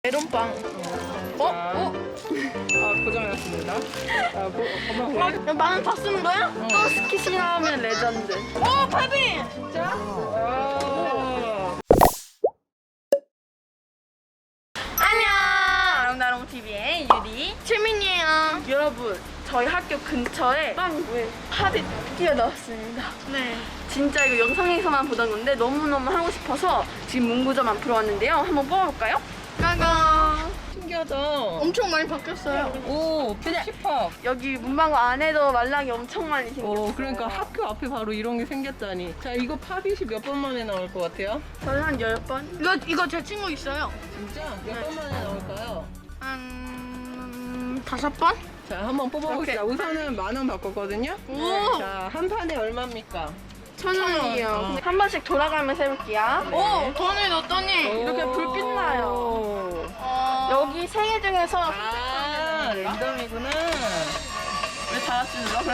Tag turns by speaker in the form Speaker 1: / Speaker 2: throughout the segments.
Speaker 1: 메론빵.
Speaker 2: 고정했습니다. 엄마
Speaker 1: 만원 다 쓰는 거야? 또 스키시 나오면 레전드. 오, 파비!
Speaker 2: 진짜?
Speaker 1: 안녕! 아름다롱 TV의 유리, 최민이에요. 여러분, 저희 학교 근처에 빵구에 팝이 뛰어나왔습니다. 네. 진짜 이거 영상에서만 보던 건데 너무너무 하고 싶어서 지금 문구점 앞으로 왔는데요. 한번 뽑아볼까요? 까강!
Speaker 2: 신기하다.
Speaker 1: 엄청 많이 바뀌었어요.
Speaker 2: 오, 힙합.
Speaker 1: 여기 문방구 안에도 말랑이 엄청 많이 생겼어요.
Speaker 2: 오, 그러니까 학교 앞에 바로 이런 게 생겼다니. 자, 이거 팝잇이 몇 번 만에 나올 것 같아요?
Speaker 1: 저는 한 10번? 이거 제 친구 있어요.
Speaker 2: 진짜? 몇 번 만에 나올까요?
Speaker 1: 한 5번?
Speaker 2: 자, 한번 뽑아봅시다.
Speaker 1: 오케이.
Speaker 2: 우선은 10,000원 받거든요.
Speaker 1: 오!
Speaker 2: 자, 한 판에 얼마입니까?
Speaker 1: 1,000원이요. 한 번씩 돌아가면서 해볼게요.
Speaker 2: 네.
Speaker 1: 오! 돈을 넣었더니 이렇게 불빛 나요.
Speaker 2: 오.
Speaker 1: 여기 3개 중에서
Speaker 2: 아, 랜덤이구나.
Speaker 1: 왜 다 같이 눌러? 그럼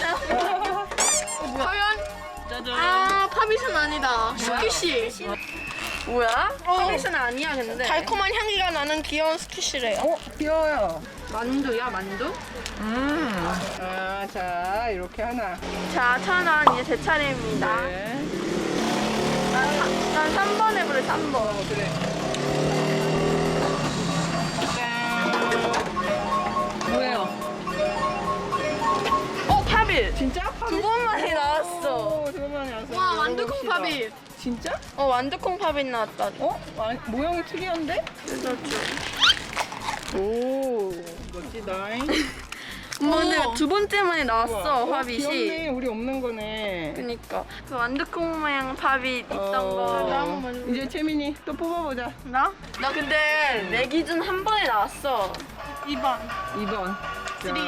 Speaker 1: 3개 과연?
Speaker 2: 짜잔.
Speaker 1: 아, 팝잇은 아니다. 스키시. 뭐야? 팝잇은 아니야, 근데. 달콤한 향기가 나는 귀여운 스키시래요.
Speaker 2: 귀여워요.
Speaker 1: 만두야, 만두?
Speaker 2: 자, 이렇게 하나.
Speaker 1: 자, 1,000원. 이제 제 차례입니다.
Speaker 2: 네.
Speaker 1: 난 3번 해볼래, 3번.
Speaker 2: 그래. 뭐예요?
Speaker 1: 팝잇!
Speaker 2: 진짜?
Speaker 1: 두 번만에 나왔어.
Speaker 2: 오, 두 번만에 나왔어.
Speaker 1: 와, 완두콩 팝잇.
Speaker 2: 진짜?
Speaker 1: 완두콩 팝잇 나왔다.
Speaker 2: 모양이 특이한데? 오, 멋지다잉.
Speaker 1: 근데 두 번째 만에 나왔어,
Speaker 2: 우와,
Speaker 1: 팝잇이.
Speaker 2: 귀엽네. 우리 없는 거네.
Speaker 1: 그니까. 그 완두콩 모양 팝잇 있던 거.
Speaker 2: 이제 채민이 또 뽑아보자.
Speaker 1: 나? 나 근데 내 기준 한 번에 나왔어. 2번.
Speaker 2: 2번.
Speaker 1: 3, 2, 1.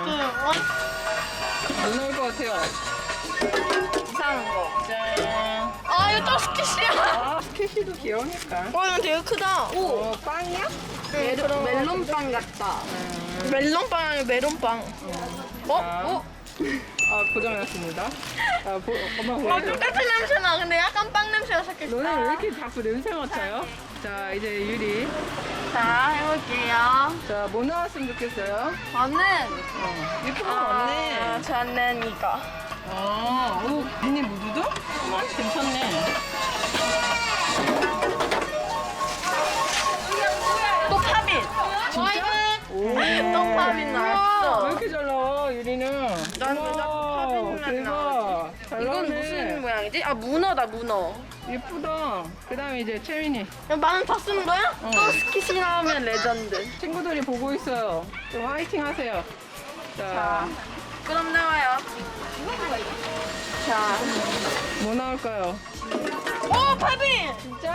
Speaker 2: 뭐 나올 것 같아요?
Speaker 1: 이상한 거.
Speaker 2: 짠.
Speaker 1: 아, 이거 또 스키시야.
Speaker 2: 스케치도 귀여우니까.
Speaker 1: 와, 이거 되게 크다.
Speaker 2: 빵이야?
Speaker 1: 멜론빵 같다. 멜론빵 아니고 메론빵.
Speaker 2: 고정했습니다. 엄마
Speaker 1: 아,
Speaker 2: 보여줘.
Speaker 1: 똑같은 냄새나. 근데 약간 빵 냄새가 섞였어.
Speaker 2: 너네 왜 이렇게 자꾸 냄새 맡아요? 자, 이제 유리.
Speaker 1: 자, 해볼게요.
Speaker 2: 자, 뭐 나왔으면 좋겠어요?
Speaker 1: 저는
Speaker 2: 예쁜 거 많네.
Speaker 1: 저는 이거.
Speaker 2: 오, 미니 무드도? 괜찮네.
Speaker 1: 또 팝잇.
Speaker 2: 진짜? 오.
Speaker 1: 또 팝잇 나왔어.
Speaker 2: 왜 이렇게 잘 나와, 유리는?
Speaker 1: 난 왜 자꾸 팝잇만
Speaker 2: 대박.
Speaker 1: 나오지?
Speaker 2: 잘
Speaker 1: 이건
Speaker 2: 나오네.
Speaker 1: 무슨 모양이지? 아, 문어다, 문어.
Speaker 2: 예쁘다. 그 다음에 이제 채민이.
Speaker 1: 만원 다 쓰는 거야? 또 스키시 나오면 레전드.
Speaker 2: 친구들이 보고 있어요. 좀 화이팅 하세요.
Speaker 1: 자, 그럼 나와요. 자,
Speaker 2: 뭐 나올까요?
Speaker 1: 오, 팝잇!
Speaker 2: 진짜?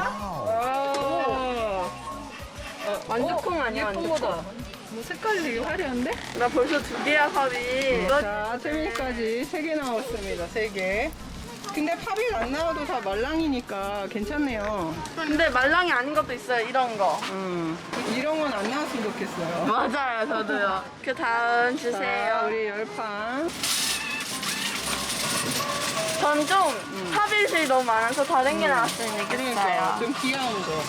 Speaker 2: 와.
Speaker 1: 완두콩 아니야,
Speaker 2: 예쁜
Speaker 1: 완두콩.
Speaker 2: 거다. 뭐 색깔이 되게 화려한데?
Speaker 1: 나 벌써 2개야, 팝잇.
Speaker 2: 자, 채민이까지 3개 나왔습니다. 3개. 근데 팝이 안 나와도 다 말랑이니까 괜찮네요.
Speaker 1: 근데 말랑이 아닌 것도 있어요, 이런 거.
Speaker 2: 이런 건 안 나왔으면 좋겠어요.
Speaker 1: 맞아요, 저도요. 그 다음
Speaker 2: 자,
Speaker 1: 주세요.
Speaker 2: 우리 10판.
Speaker 1: 전 좀 팝잇이 너무 많아서 다른 게 나왔으면
Speaker 2: 그러니까
Speaker 1: 좋겠어요.
Speaker 2: 좀 귀여운 거.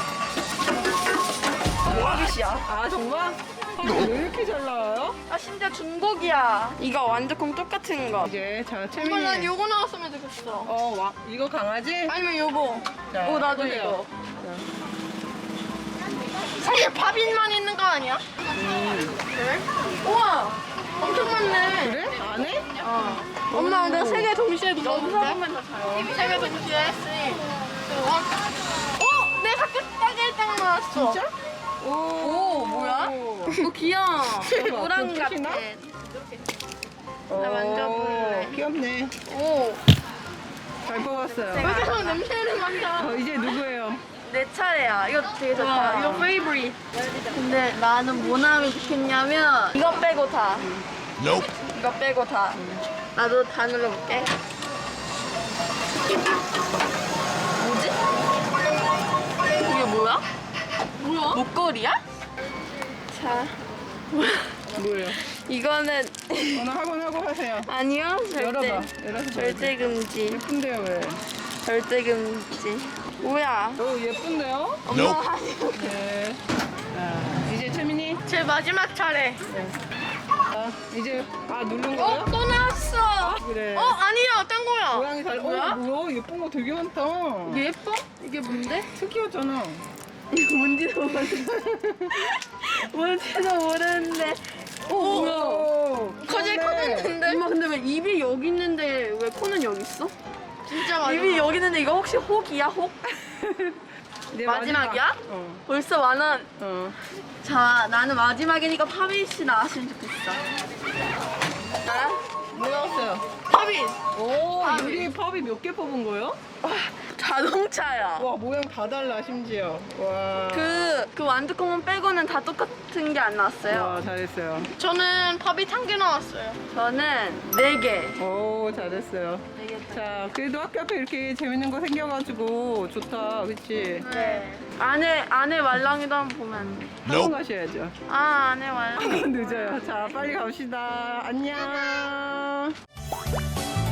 Speaker 1: 팝잇이야.
Speaker 2: 아, 정말? 팝이 왜 이렇게 잘 나와요?
Speaker 1: 아, 심지어 중복이야. 이거 완두콩 똑같은 거.
Speaker 2: 이제 자,
Speaker 1: 난
Speaker 2: 채민이.
Speaker 1: 요거 나왔으면 좋겠어.
Speaker 2: 이거 강아지?
Speaker 1: 아니면 요거.
Speaker 2: 자,
Speaker 1: 오, 나도
Speaker 2: 보세요.
Speaker 1: 이거. 사실 팝잇만 있는 거 아니야? 그래? 우와! 엄청 많네.
Speaker 2: 그래? 안 해?
Speaker 1: 엄마, 내가 3개 동시에 눌렀는데? 3개 동시에 했으니. 오! 내 학교 딱 1등 나왔어.
Speaker 2: 진짜?
Speaker 1: 오, 뭐야? 오, 귀여워. 노랑 같아.
Speaker 2: 나
Speaker 1: 나 만져볼래.
Speaker 2: 귀엽네.
Speaker 1: 오,
Speaker 2: 잘 뽑았어요.
Speaker 1: 왜 계속 냄새를 맡아?
Speaker 2: 이제 누구예요?
Speaker 1: 내 차례야. 이거 되게 좋다. 이거 페이브릿. 근데 나는 뭐 나오면 좋겠냐면 이거 빼고 다. 이거 빼고 다. 나도 다 눌러볼게. 뭐지? 이게 뭐야? 목걸이야? 자,
Speaker 2: 뭐예요?
Speaker 1: 이거는
Speaker 2: 오늘 하고 하세요.
Speaker 1: 아니요.
Speaker 2: 열어봐. 열어서
Speaker 1: 절대 금지.
Speaker 2: 예쁜데요, 왜?
Speaker 1: 절대 금지. 뭐야?
Speaker 2: 오, 예쁜데요?
Speaker 1: 엄마가
Speaker 2: 네. 자,
Speaker 1: 이제 마지막 차례.
Speaker 2: 이제 누른 거야?
Speaker 1: 또 나왔어.
Speaker 2: 그래.
Speaker 1: 아니야, 딴 거야.
Speaker 2: 모양이 잘.
Speaker 1: 뭐야?
Speaker 2: 뭐야? 예쁜 거 되게 많다.
Speaker 1: 예뻐? 이게 뭔데?
Speaker 2: 특이하잖아.
Speaker 1: 이거 뭔지도 모르는데. 뭔지도 모르는데.
Speaker 2: 뭐야?
Speaker 1: 커질 커졌는데? 엄마 근데 왜 입이 여기 있는데 왜 코는 여기 있어? 진짜 마지막. 입이 여기 있는데 이거 혹시 혹이야, 혹?
Speaker 2: 내
Speaker 1: 마지막이야?
Speaker 2: 마지막.
Speaker 1: 벌써 만원.
Speaker 2: 자,
Speaker 1: 나는 마지막이니까 파빗이 나왔으면 좋겠어. 나야?
Speaker 2: 뭐 나왔어요?
Speaker 1: 파빗.
Speaker 2: 오,
Speaker 1: 팝이.
Speaker 2: 유리 팝이 몇 개 뽑은 거예요?
Speaker 1: 자동차야.
Speaker 2: 와, 모양 다 달라, 심지어. 와.
Speaker 1: 그 완두콩은 빼고는 다 똑같은 게 안 나왔어요.
Speaker 2: 와, 잘했어요.
Speaker 1: 저는 팝빗 한 개 나왔어요. 저는 4개.
Speaker 2: 오, 잘했어요.
Speaker 1: 4개.
Speaker 2: 자, 그래도 학교 앞에 이렇게 재밌는 거 생겨가지고 좋다, 그치?
Speaker 1: 네. 안에 말랑이도 한번 보면 안 돼.
Speaker 2: 학원 가셔야죠.
Speaker 1: 안에 말랑.
Speaker 2: 늦어요. 자, 빨리 갑시다. 안녕.